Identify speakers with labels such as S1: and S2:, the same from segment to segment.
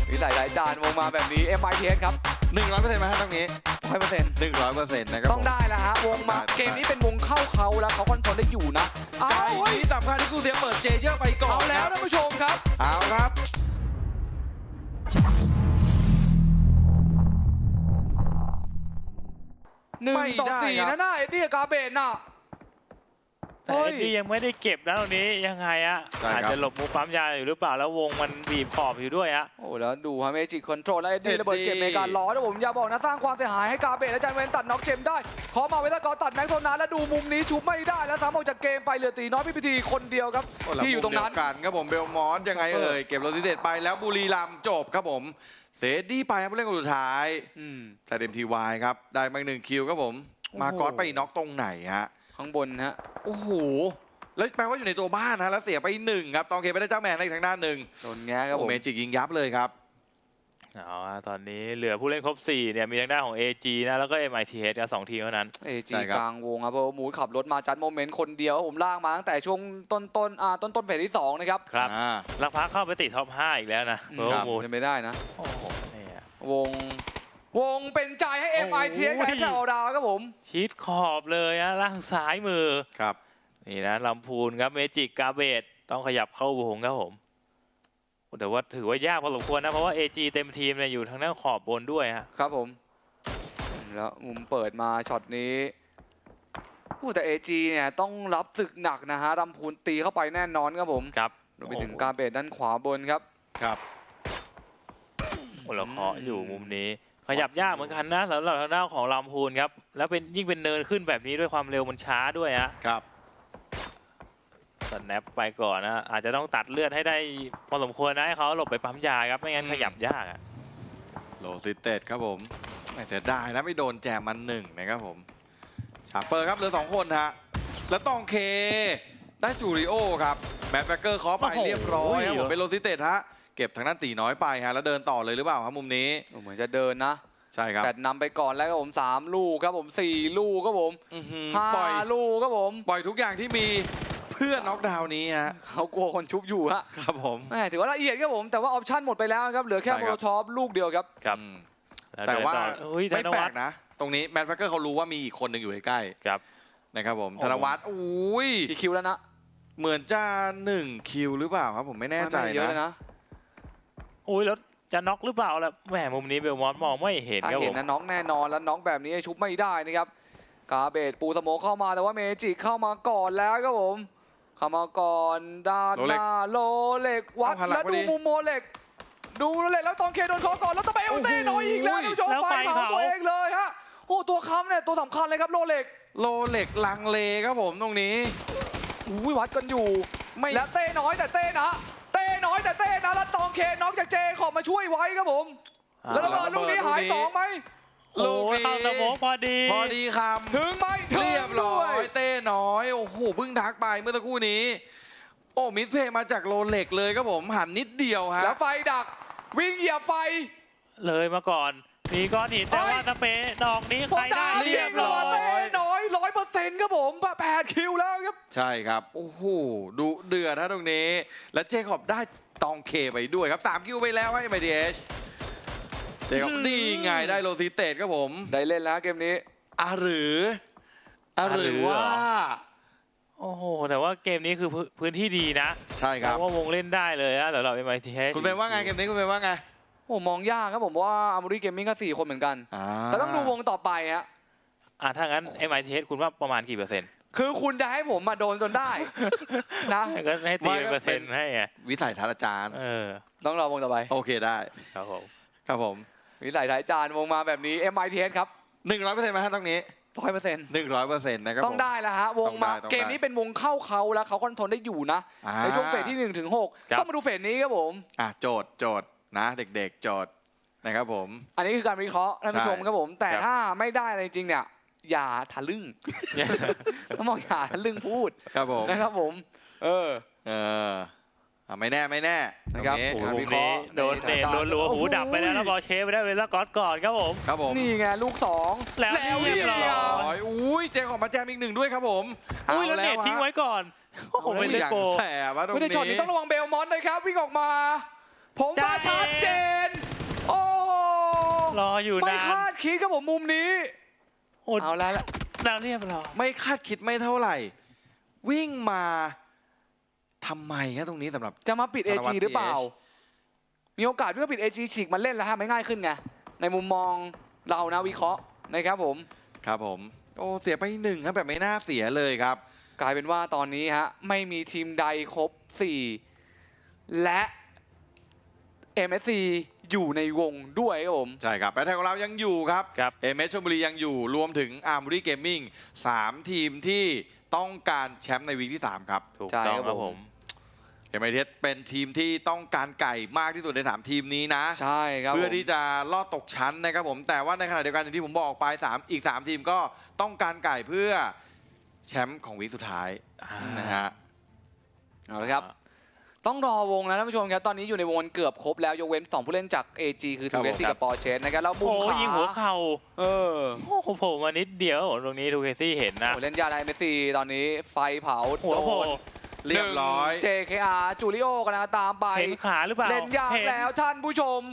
S1: มีหลายจานวงมาแบบนี้ MITS ครับ
S2: 100%ไหมฮะตรงนี้
S1: 100%
S2: 100%นะครับ
S1: ต้องได้แล้วฮะวงมาเกมนี้เป็นวงเข้าเขาแล้วเขาคอนโทรลได้อยู่นะเอา
S2: ไก่นี้สำคัญที่กูเสียเปิดเจเยอร์ไปก่อน
S1: เอาแล้วท่านผู้ชมครับ
S2: เอาครับ
S1: 1-4นะหน้าเอ็ดดี้กับกาเบนน่ะ
S3: แต่เอ็ดดี้ยังไม่ได้เก็บนะตรงนี้ยังไงอะอาจจะหลบมุมปั๊มยาอยู่หรือเปล่าแล้ววงมันบีบขอบอยู่ด้วยอะ
S1: โอ้แล้วดูฮะเมจิคอนโทรลแล้วเอ็ดดี้ระเบิดเก็บเมกาล้อนะผมอย่าบอกนะสร้างความเสียหายให้กาเบนและจันเวนตัดน็อกเจมได้ขอมาเวลากอตัดแม็กโซนาแล้วดูมุมนี้ชุบไม่ได้แล้วซ้ำออกจากเกมไปเหลือตีน้อยพิธีคนเดียวครับที่อยู่ตรงนั้น
S2: กันครับผมเบลมอนยังไงเอ่ยเก็บโรซิเดตไปแล้วบุรีรัมย์จบครับผมเซดี้ไปครับผู้เล่นคนสุดท้ายใส่เต็มทีวายครับได้มา1 คิวครับผมมาก๊อตไปน็อกตรงไหนฮะ
S1: ข้างบนฮะ
S2: โอ้โหแล้วแปลว่าอยู่ในตัวบ้านนะแล้วเสียไป1ครับตองเคไปได้เจ้าแมนในทางด้านหนึ่ง
S1: โดนแง่ครับผม
S2: เมจิกยิงยับเลยครับ
S3: เอาอะตอนนี้เหลือผู้เล่นครบ4เนี่ยมีทางด้านของ AG นะแล้วก็ MITS กับ2 ทีมเท่านั้น
S1: เอจีกลางวงครับเพราะมูดขับรถมาจัดโมเมนต์คนเดียวผมลากมาตั้งแต่ช่วงต้นเฟสที่2นะครับ
S3: ครับลักพักเข้าไปติดท็อป 5 อีกแล้วนะเบอร์มูด
S1: เป็นไม่ได้นะ
S3: โอ้โหเนี่ย
S1: วงเป็นใจให้ MITS กับแถวดาวครับผม
S3: ชิดขอบเลยอะล่างซ้ายมือ
S2: ครับ
S3: นี่นะลำพูนครับเมจิกกาเบตต้องขยับเข้าวงครับผมแต่ว่าถือว่ายากพอสมควรนะเพราะว่า AG เต็มทีมเนี่ยอยู่ทางด้านขอบบนด้วยฮะ
S1: ครับผมแล้วมุมเปิดมาช็อตนี้แต่ AG เนี่ยต้องรับศึกหนักนะฮะลำพูนตีเข้าไปแน่นอนครับผม
S3: ครับ
S1: รวมไปถึงกาเบตด้านขวาบนครับ
S2: ครับ
S3: โอ้เราเคาะอยู่มุมนี้ขยับยากเหมือนกันนะสำหรับทางด้านของลำพูนครับแล้วเป็นยิ่งเป็นเนินขึ้นแบบนี้ด้วยความเร็วมันช้าด้วยฮะ
S2: ครับ
S3: สแนปไปก่อนนะอาจจะต้องตัดเลือดให้ได้พอสมควรนะให้เขาหลบไปปั๊มยาครับไม่งั้นขยับยากอะ
S2: โรซิเดตครับผมไม่เสียดายนะไม่โดนแจมมัน1นะครับผมชาร์เปอร์ครับเหลือ2 คนฮะแล้วตองเคได้จูริโอครับแมทแฟกเกอร์เคาะไปเรียบร้อยครับผมเป็นโรซิเดตฮะเก็บทางด้านตีน้อยไปฮะแล้วเดินต่อเลยหรือเปล่าครับมุมนี้
S1: เหมือนจะเดินนะ
S2: ใช่ครับ
S1: แต่นำไปก่อนแล้วครับผม3 ลูกครับผม4 ลูกครับผม
S2: ปล่อย
S1: 5 ลูกครับผม
S2: ปล่อยทุกอย่างที่มีเพื่อน็อกดาวน์นี้ฮะ
S1: เขากลัวคนชุบอยู่ฮะ
S2: ครับผม
S1: แหมถือว่าละเอียดครับผมแต่ว่าออปชั่นหมดไปแล้วครับเหลือแค่
S2: ใช่
S1: โม
S2: ครั
S1: โล
S2: บ
S1: ชอปลูกเดียวครับ
S3: ครับ
S2: แต่ว่า
S3: อุ้ยธ
S2: ไม่
S3: น
S2: แปล
S3: วัฒ
S2: ก
S3: น์
S2: นะ ตรงนี้แมทแฟกเกอร์เขารู้ว่ามีอีกคนหนึ่งอยู่ใกล้
S3: ครับ
S2: ๆนะครับผม
S3: โอ้
S2: ธนวัฒน์อุ้ย
S1: กี่คิวแล้วนะ
S2: เหมือนจะ1 คิวหรือเปล่าครับผมไม่แน่ใจ
S1: ไม่เยอะเลย
S2: นะ
S1: นะ
S3: อุ้ยแล้วจะน็อกหรือเปล่าล่ะแหมมุมนี้เบลมอนมองไม่เห็น
S1: ถ้า
S3: ครับผ
S1: เห็น
S3: ม
S1: นะน้องแน่นอนแล้วน้องแบบนี้ชุบไม่ได้นะครับกาเบตปูสโมกเข้ามาแต่ว่าเมจิเข้ามาก่อนแล้วครับผมเข้ามาก่อนด้านหน้าโลเล็กวัดแล้วดูมุมโมเล็กดูโลเล็กแล้วตองเคโดนเขาก่อนแล้วตะเบลเต้น้อยอีกแล้วท่านผู้ชมไฟเผาตัวเองเลยฮะโอ้ตัวค้ำเนี่ยตัวสำคัญเลยครับโลเล็ก
S2: โลเล็กลังเลครับผมตรงนี้
S1: อุ้ยวัดกันอยู่
S2: ไม่
S1: แล้วเต้น้อยแต่เต้นะเต้น้อยแต่เต้นะแล้วตองเคน้องจากเจขอบมาช่วยไว้ครับผมแล้วระเบิดลูกนี้หาย2ไหม
S3: โอ้ยเข้าสโมกพอดี
S2: พอดีค
S1: ถึงไหม
S2: ำเรียบร้อยเต้น้อยโอ้โหเพิ่งทักไปเมื่อสักครู่นี้ โอ้มิสเพย์มาจากโลเล็กเลยครับผมหันนิดเดียวฮะ
S1: แล้วไฟดักวิ่งเหยียบไฟ
S3: เลยมาก่อนมีก้อนหินแต่ว่าตะเปดอกนี้
S1: ผม
S3: ใครได้
S1: ดาว
S3: เรียบร้อย
S1: เต้น้อย100%ครับผม8 คิวแล้วครับ
S2: ใช่ครับโอ้โหดูเดือดนะตรงนี้ และเจคอบได้ตองเคไปด้วยครับ3 คิวไปแล้วให้ MITS เจคอบนี่ไงได้โรซิเตตครับผม
S1: ได้เล่นแล้วเกมนี้
S2: หรือว่า
S3: โอ้โหแต่ว่าเกมนี้คือพื้นที่ดีนะ
S2: ใช่ครับ
S3: เพราะว่าวงเล่นได้เลยนะสำหรับ MITS
S2: คุณเป็นว่าไงเกมนี้คุณเป็นว่าไง
S1: โอ้มองยากครับผมว่าอาร์มอรี่เกมมิ่งก็4 คนเหมือนกันแต่ต้องดูวงต่อไปฮะ
S3: ถ้างั้น MITS คุณว่าประมาณกี่เปอร์เซ็นต์
S1: คือคุณจะให้ผมมาโดนจนได้นะ
S3: ก็ให้ตีเป็นเปอร์เซ็นต์ให้ไง
S2: วิสัยทัศน์อาจารย์
S1: ต้องรอวงต่อไป
S2: โอเคได้
S3: ครับผม
S2: ครับผม
S1: วิสัยท้ายจานวงมาแบบนี้ MITS ครับ
S2: 100%ไหมฮะตรงนี้
S1: 100%
S2: 100%นะครับ
S1: ต้องได้แล้วฮะวงมา
S2: ต้องได้
S1: เกมนี้เป็นวงเข้าเขาแล้วเขาคอนโทรลได้อยู่นะในช่วงเฟสที่1 ถึง 6ต้องมาดูเฟสนี้ครับผม
S2: โจทย์นะเด็กๆโจทย์นะครับผม
S1: อันนี้คือการวิเคราะห์ท่านผู้ชมครับผม แต่ถ้าไม่ได้อะไรจริงเนี่ยอย่าทะลึ่ง ต้องบอกอย่าทะลึ่งพูด
S2: ครับผม
S1: นะครับผม
S2: ไม่แน่
S1: นะครับ
S2: ตง
S3: โอ้โหมุมนี้โดนเนตรัวๆหูดับไปแล้วแล้วบอลเชฟไปได้เวลาก่อนครับผม
S2: ครับผม
S1: นี่ไงลูก2
S3: แล้วเรียบร้อย
S2: อุ้ยเจคอบมาแจมอีก1ด้วยครับผม
S3: อุ้ยแล้วเนตทิ้งไว้ก่อนโอ้โหไม่ได้
S2: อย่าง
S3: โก
S2: แสบวะตรง
S1: ไม่ได้ช็อต
S2: นี้
S1: นี้ต้องระวังเบลมอนต์นะครับวิ่งออกมา ผมว่าชัดเจน
S3: รออยู่
S1: ไม่
S3: นาน
S1: คาดคิดครับผมมุมนี้
S3: โอ้
S1: เอาแล้วละ
S3: แล้วเรียบร้อย
S2: ไม่คาดคิดไม่เท่าไหร่ วิ่งมาทำไมครับตรงนี้สำหรับ
S1: จะมาปิด
S2: ธนวัฒ
S1: AG
S2: น์
S1: หรือเปล่า
S2: TH
S1: มีโอกาสที่จะปิด AG ฉีกมันเล่นแล้วฮะไม่ง่ายขึ้นไงในมุมมองเรานะวิเคราะห์นะครับผม
S2: ครับผม โอ้เสียไปหนึ่งครับแบบไม่น่าเสียเลยครับ
S1: กลายเป็นว่าตอนนี้ฮะไม่มีทีมใดครบ 4 และ MSC อยู่ในวงด้วยครับผม
S2: ใช่ครับแบทแทนของเรายังอยู่ครับ
S3: ครับ
S2: เอเมชลบุรียังอยู่รวมถึงอาร์ม r รีเกมมิ่ง3ทีมที่ต้องการแชมป์ในวีคที่ 3 ครับ
S3: ถูก
S1: ใช่
S3: ต้อง
S1: ครับ
S3: ครับ
S1: ผ
S3: ผม ม
S2: เอเมเทสเป็นทีมที่ต้องการไก่มากที่สุดใน 3 ทีมนี้นะ
S1: ใช่ครับ
S2: เพื่อ
S1: ผม
S2: ที่จะลอดตกชั้นนะครับผมแต่ว่าในขณะเดียวกันอย่างที่ผมบอกไปอีก 3 ทีมก็ต้องการไก่เพื่อแชมป์ของวีคสุดท้ายนะฮะ
S1: เอาละครับ ต้องรอวงนะท่านผู้ชมครับ ตอนนี้อยู่ในวงเกือบครบแล้วยกเว้น 2 ผู้เล่นจาก AG คือ
S2: ครั
S1: ทู
S2: บ
S1: เว
S2: ผม
S1: ซี่กับปอร์เชสนะครับแล้วมุ
S3: โอ้
S1: มขวา
S3: ยิงหัวเข่า
S1: เออ
S3: โอ้โหโผล่มานิดเดียวตรงนี้ทูเคซี่เห็นนะ
S1: โอ้เล่นยาไดเมสซี่ตอนนี้ไฟเผา
S3: หัวโผล่
S2: เรียบร้อย
S1: JKR จูริโอกำลังตามไป
S3: เห็นขาหรือเปล่า
S1: เล่นยาก
S3: ห็น
S1: แล้วท่านผู้ชม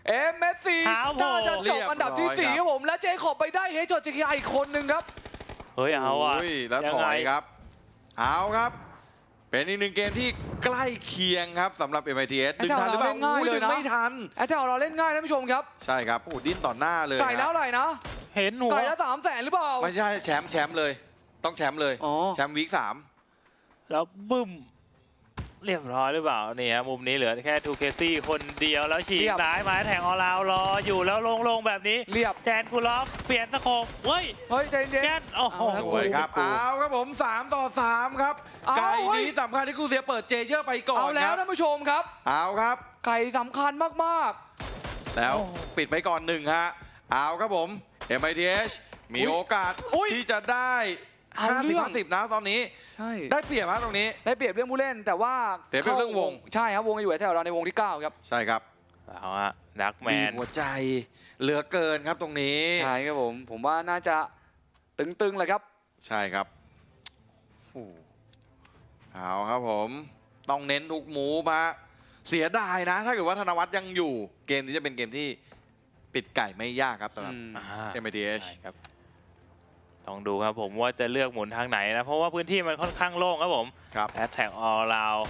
S1: MSC
S3: เท้าโผล่
S1: น่าจะจบอันดับที่
S2: เรียบร้อย
S1: 4 ครับผม และเจคอบไปได้เฮจจด JKR อีกคนนึงครับ
S3: เฮ้ยเอาอ่ะ
S2: โยแล้ว
S3: ยัง
S2: ถ
S3: ไง
S2: อยครับ เอาครับ เป็นอีกหนึ่งเกมที่ใกล้เคียงครับสำหรับ MITS ดึงทันหรือเปล่า
S1: ง่าย
S2: อุ้ย
S1: เลย
S2: ดึง
S1: นะ
S2: ไม่ทัน
S1: แอตแทกเราเล่นง่ายท่านผู้ชมครับ
S2: ใช่ครับโอ้ดิ้นต่อหน้าเลย
S1: ไก่แล้ว
S2: นะ
S1: อะไรนะ
S3: เห็นหัว
S1: ไก่แล้ว300,000หรือเปล่า
S2: ไม่ใช่แชมป์เลย ต้องแชมป์เลย
S1: อ๋อ
S2: แชมป์วีค
S3: แล้วบึ้มเรียบร้อยหรือเปล่านี่ฮะมุมนี้เหลือแค่ทูเคซี่คนเดียวแล้วฉีกซ้ายมาแทงออลาวรออยู่แล้วลงแบบนี้
S1: เรียบ
S3: แจนกูลอฟเปลี่ยนสโคปเฮ้ย
S1: เฮ้ยใจเย็น
S3: แจนโอ้โห
S1: เอา
S2: 3 สวยครับ
S1: กู
S2: เอาครับผม 3 ต่อ 3 ครับ
S1: เอา
S2: ไก่
S1: เฮ้ย
S2: นี้สำคัญที่กูเสียเปิดเจเยอร์ไปก่อน
S1: เอาแล้
S2: คว รับ
S1: ท่านผู้ชมครับ
S2: เอาครับ
S1: ไก่สำคัญมาก
S2: แล้ว
S3: โอ้
S2: ปิดไปก่อน1ฮะเอาครับผม MITH มีโอกาส
S1: อุ๊ย
S2: ที่จะได้
S1: เอาเรื่อง
S2: 50-50 นะตอนนี้
S1: ๆ ใช่
S2: ได้เปรียบฮะตรงนี้
S1: ได้เปรียบเรื่องผู้เล่นแต่ว่า
S2: เสียเปรียบเรื่องวง
S1: ใช่ครับวงอยู่แถวเราในวงที่ 9 ครับ
S2: ใช่ครับ
S3: เอาฮะดักแม
S2: บีบ
S3: น
S2: หัวใจเหลือเกินครับตรงนี้
S1: ใช่ครับผมว่าน่าจะตึงๆเลยครับ
S2: ใช่ครับโอ้เอาครับผมต้องเน้นทุกหมูฮะเสียดายนะ ถ้าเกิดว่าธนวัฒน์ยังอยู่เกมนี้จะเป็นเกมที่ปิดไก่ไม่ยากครับสำหรับ
S3: อ่า
S2: MITH
S3: ใช่ครับต้องดูครับผมว่าจะเลือกหมุนทางไหนนะ เพราะว่าพื้นที่มันค่อนข้างโล่งครับผม
S2: ครับ
S3: แอตแทกออลราว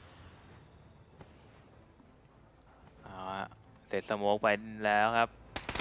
S3: เอาฮะเสร็จสโมกไปแล้วครับ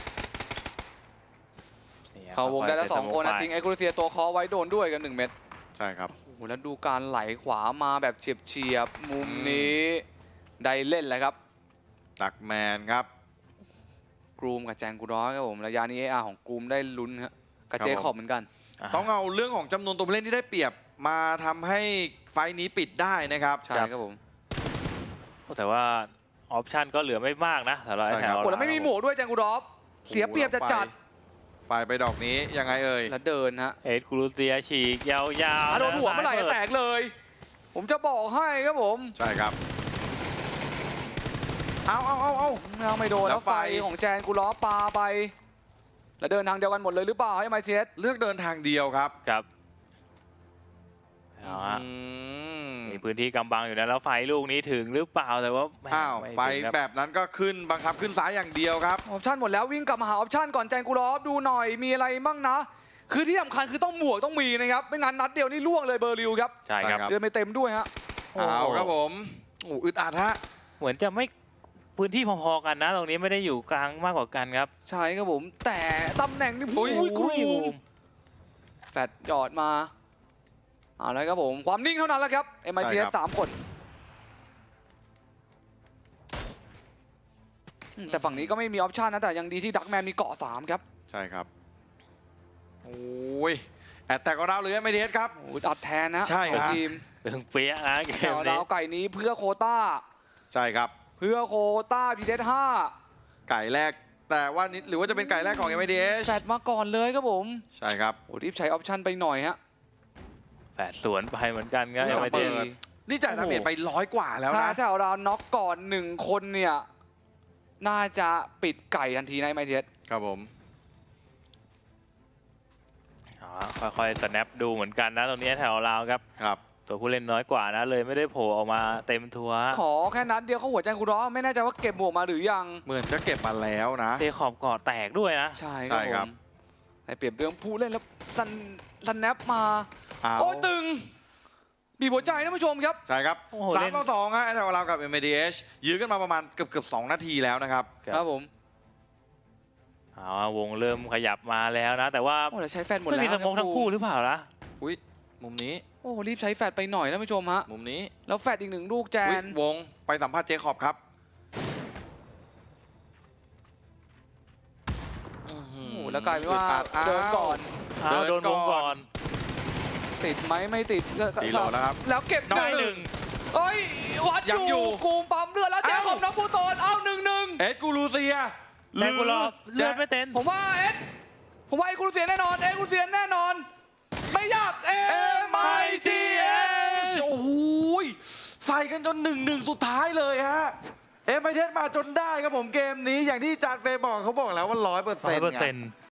S3: นี่ครับ
S1: เขาวงได้แล้ว
S3: ค่ยๆ
S1: 2 คนนะ
S3: เสร็จสโมกไป
S1: ทิ้งไอคูเซียตัวคอไว้โดนด้วยกัน 1 เม็ด
S2: ใช่ครับ
S1: โอ้โหแล้วดูการไหลขวามาแบบเฉียบๆมุมนี้ได้เล่นแล้วครับ
S2: ดักแมนครับ
S1: กรูมกับแจงกูร้อยครับผมระยะนี้ AR ของกรูมได้ลุ้นครับกับ
S2: ครับ
S1: เจคอบเหมือนกัน
S2: ต้องเอาเรื่องของจำนวนตัวผู้เล่นที่ได้เปรียบมาทำให้ไฟล์นี้ปิดได้นะครับ
S1: ใช่ครับผม
S3: แต่ว่าออปชันก็เหลือไม่มากนะสำหรับ
S2: ใช่
S3: แถ
S2: ครับ
S3: ว
S1: โอ้แล้วไม่มีหมวกด้วยแจงกูรอฟเสียเปรียบจะจัด
S2: ไฟล์ไปดอกนี้ยังไงเอ่ย
S1: แล้วเดินฮะ
S3: เอ็ดครูเซียฉีกยาวๆ
S1: โดนหัวเมื่อไหร่
S3: ซ้าย
S1: แตกเลย ผมจะบอกให้ครับผม
S2: ใช่ครับ เอา
S1: ยังไม่โดน
S2: แล้
S1: แล้ว
S2: ว
S1: ไฟ
S2: ไฟ
S1: ของแจนกูล้อปาไป แล้วเดินทางเดียวกันหมดเลยหรือเปล่าให้มาเชส
S2: เลือกเดินทางเดียวครับ
S3: ครับเอาฮะ
S2: อืม
S3: มีพื้นที่กำบังอยู่นะแล้วไฟลูกนี้ถึงหรือเปล่าแต่ว่าแหม่
S2: อ้าว
S3: ม่
S2: ไฟ
S3: ถึงครับ
S2: แบบนั้นก็ขึ้นบังคับขึ้นซ้ายอย่างเดียวครับ
S1: ออปชั่นหมดแล้ววิ่งกลับมาหาออปชั่นก่อนแจนกูล้อดูหน่อยมีอะไรบ้างนะ คือที่สำคัญคือต้องหมวกต้องมีนะครับไม่งั้นนัดเดียวนี่ล่วงเลยเบอร์ลิวครับ
S3: ใช่ครับ
S2: ใช่ครับ
S1: เดินไม่เต็มด้วยฮะ
S2: เอาครับผมโอ้อึดอัดฮะ
S3: เหมือนจะไม่พื้นที่พอๆกันนะ ตรงนี้ไม่ได้อยู่กลางมากกว่ากันครับ
S1: ใช่ครับผมแต่ตำแหน่งนี่
S2: อุ๊ย
S1: อุ้ยกรู
S3: บู
S1: มแฟดจอดมาเอาละครับผมความนิ่งเท่านั้นแหละครับ MITS 3 คนแต่ฝั่งนี้ก็ไม่มีออปชันนะแต่ยังดีที่ดักแมนมีเกาะ3ครับ
S2: ใช่ครับ โอ้ยแอดแตกของเราหรือไม่เทสครับ
S1: โอ้ยอัดแทนนะ
S2: ใช่ครับ
S1: ของทีม
S3: เรื่องเปี้ยนะเก
S1: แถ
S3: ม
S1: ว
S3: นี้
S1: ดาวไก่นี้เพื่อโควต้า
S2: ใช่ครับ
S1: เพื่อโควต้าพีเดห้า
S2: ไก่แรก แต่ว่านิดหรือว่าจะเป็นไก่แรกของ MITH
S1: แฟดมาก่อนเลยครับผม
S2: ใช่ครับ
S1: โอ้รีบใช้ออปชันไปหน่อยฮะ
S3: แฝดสวนไปเหมือนกันครับ
S2: ไม่
S3: ยัง
S2: ต้อง
S3: ไม่
S2: เปิ
S3: ถึง
S2: ด นี่จ่ายดาเมจไป100 กว่าแล้ว
S1: ถ้า
S2: นะ
S1: แถวเราน็อกก่อน1 คนเนี่ย น่าจะปิดไก่ทันทีนะไมเทส
S2: ครับผม
S3: ค่อยๆสแนปดูเหมือนกันนะตรงนี้แถวเราครับ
S2: ครับ
S3: ตัวผู้เล่นน้อยกว่านะเลยไม่ได้โผล่ออกมาเต็มทัวร์
S1: ขอแค่นัดเดียวเขาหัวใจกูร้อนไม่แน่ใจว่าเก็บหมวกมาหรือยัง
S2: เหมือนจะเก็บมาแล้วนะ
S3: เทขอบเกาะแตกด้วยนะ
S1: ใช่
S2: ใช่ครับ
S1: ผมในเปรียบเรื่องผู้เล่นแล้วซันแนปมา
S2: เอา
S1: โอ้ตึงบีบหัวใจท่านผู้ชมครับ
S2: ใช่ครับ
S3: โอ้โห
S2: สาม
S3: เล่น
S2: ต่อสองฮะเรากับ MADH ยื้อกันมาประมาณเกือบ2 นาทีแล้วนะครับ
S1: ครับผม
S3: เอาวงเริ่มขยับมาแล้วนะ แต่ว่า
S1: โอ้แต่ใช้แฟนหมด
S3: ไม่
S1: แล้ว
S3: มีสโมกทั้งคู่หรือเปล่าล่ะ
S2: อุ้ยมุมนี้
S1: โอ้รีบใช้แฟดไปหน่อยท่านผู้ชมฮะ
S2: มุมนี้
S1: แล้วแฟดอีกหนึ่งลูกแจ
S2: อุ๊ย
S1: น
S2: วงไปสัมภาษณ์เจคอบครับ
S1: โอ้โหแล้วกลายเป็นว่าเดินก่อน
S3: เอาโดนวงก่อน
S1: ติดไหมไม่ติดก็
S2: ตีโหลแล้วครับ
S1: แล้วเก็บ
S3: ได้หนึ่ง
S1: เอ้ยวัด
S2: ยัง
S1: อ
S2: อยู่
S1: ยู่กูมปั๊มเลือดแล้วแจม
S2: เอ้า
S1: ผมน้องปูโตนเอา1-1
S2: เอ็ดกูรูเซีย
S3: แรงกูรอเลือดไม่เต็ม
S1: ผมว่าผมว่าไอ้กูเสียแน่นอนกูเสียแน่นอน ไม่ยากMITH
S2: โอ้โหใส่กันจน1-1สุดท้ายเลยฮะเอ็มไอเทสมาจนได้ครับผมเกมนี้อย่างที่จานเฟย์บอกเขาบอกแล้วว่า100%
S3: 100%